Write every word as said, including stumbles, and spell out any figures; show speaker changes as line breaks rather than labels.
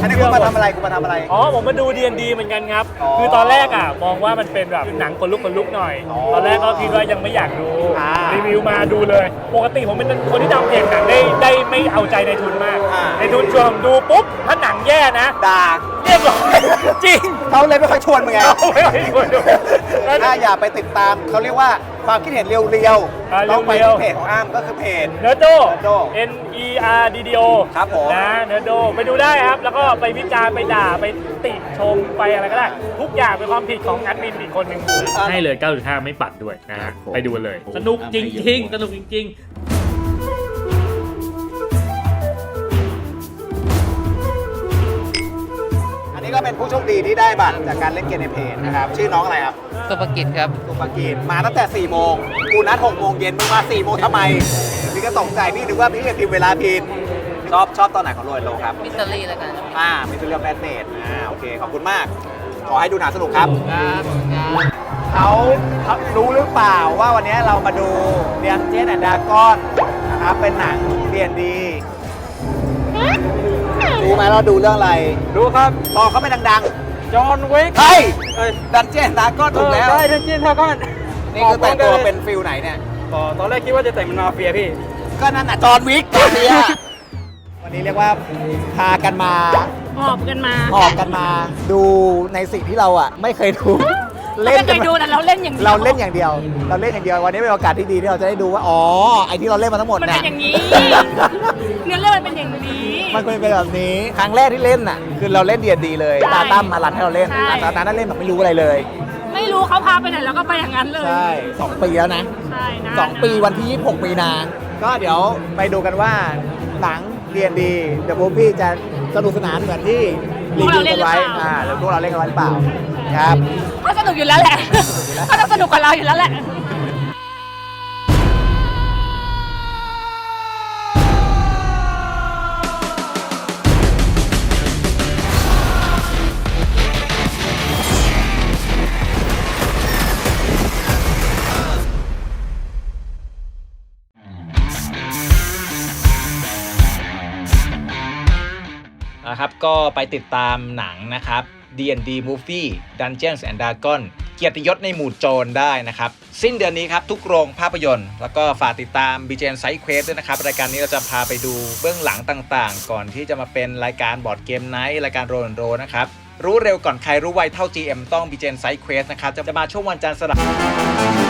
อันนี้คุณมาทำอะไรคุณมาทำอะไร
อ๋อผมมาดู ดี เอ็น ดี เหมือนกันครับคือตอนแรกอ่ะมองว่ามันเป็นแบบหนังคนลุกคนลุกหน่อยตอนแรกก็คิดว่ายังไม่อยากดูรีวิวมาดูเลยปกติผมเป็นคนที่ทำเพจหนังได้ได้ไม่เอาใจในทุนมากในทุนชวนดูปุ๊บถ้าหนังแย่นะ
ด่า
เรียบร้อยจริง
เขาเลยไม่ค่อยชวนมึงไง
ไม่ค่อยชวนดู
ถ้าอย่าไปติดตามเขาเรียกว่าความคิดเห็นเรียวๆต้องไปที่เพจของอ้ามก็คือเพจ
เนอร์โด N E R D D O
ครับผม
นะเนอร์โดไปดูได้ครับแล้วก็ไปวิจารณ์ไปด่าไปติชมไปอะไรก็ได้ทุกอย่างเป็นความผิดของแอดมินอีกคนหนึ่งให้เลย เก้าจุดห้า ไม่ปัดด้วยนะฮะไปดูเลยสนุกจริงๆสนุกจริงๆ
นี่ก็เป็นผู้โชคดีที่ได้บัตรจากการเล่นเกมในเพจนะครับชื่อน้องอะไรครับ
สุภกิจครับ
สุภกิจมาตั้งแต่สี่โมงกูนัดหกโมงเย็นมึงมาสี่โมงทำไมพี่ก็ตกใจพี่นึกว่าพี่จะพิมพ์เวลาผิดชอบชอบตอนไหนของโรยโลครับ
มิสเตอรี่แล้วกัน
อ่ามิสเตอรี่แบทเนตอ่าโอเคขอบคุณมากขอให้ดูหนังสนุกครับเขารู้หรือเปล่าว่าวันนี้เรามาดูเรียนเจนแอนด์ดากอนนะครับเป็นหนังเรียนดีรู้ไหมเราดูเรื่องอะไร
ดูครับ
พอเขาไม่ดัง
ๆจอห์นวิก
เฮ้ยดันเจียนดากอนถูกแล้ว
ใช่ดันเจียนดากอน
นี่คือแต่งตัวเป็นฟิลไหนเนี่ย
ตอนแรกคิดว่าจะแต่งเป็นมาเฟียพี่
ก็นั่นน่ะจอห์นวิกตัวเนี้ยวันนี้เรียกว่าพากันมา
หอบกันมา
หอบกันมาดูในสิ่งที่เราอ่ะไม่เคยดู
เล่นกันดูแต่เราเล่นอย่างเดียว
เราเล่นอย่างเดียวเราเล่นอย่างเดียววันนี้เป็นโอกาสที่ดีที่เราจะได้ดูว่าอ๋อไอที่เราเล่นมาทั้งหมด
มันเป็นอย่างนี้เนื้อเรื่องมันเป็นอย่างนี้
มันเป็นแบบนี้ครั้งแรกที่เล่นน่ะคือเราเล่นเดียดีเลยตาตั้มมารันให้เราเล่นตาตานั้นเล่นแบบไม่รู้อะไรเลย
ไม่รู้เขาพาไปไหนแล้วก็ไปอย่างนั้นเลย
ใช่สองปีแล้วนะ
ใช่นะ
สองปีวันที่ยี่สิบหกมีนาก็เดี๋ยวไปดูกันว่าหนังเดียดีเดอะมูฟวี่จะสนุกสนานเหมือนที่รีวิวกันไว้อ่าแล้วพวกเราเล่นกันไว้หรือเปล่าครับ
ก็สนุกอยู่แล้วแหละก็ต้องสนุกกับเราอยู่แล้วแหละ
นะครับก็ไปติดตามหนังนะครับ ดี เอ็น ดี Movie Dungeons and Dragons เกียรติยศในหมู่โจรได้นะครับสิ้นเดือนนี้ครับทุกโรงภาพยนตร์แล้วก็ฝากติดตาม บี เจ เอ็น Side Quest ด้วยนะครับรายการนี้เราจะพาไปดูเบื้องหลังต่างๆก่อนที่จะมาเป็นรายการบอร์ดเกมไนท์รายการโรนโรนะครับรู้เร็วก่อนใครรู้ไวเท่า จี เอ็ม ต้อง บี เจ เอ็น Side Quest นะครับจะมาช่วงวันจันทร์สลับ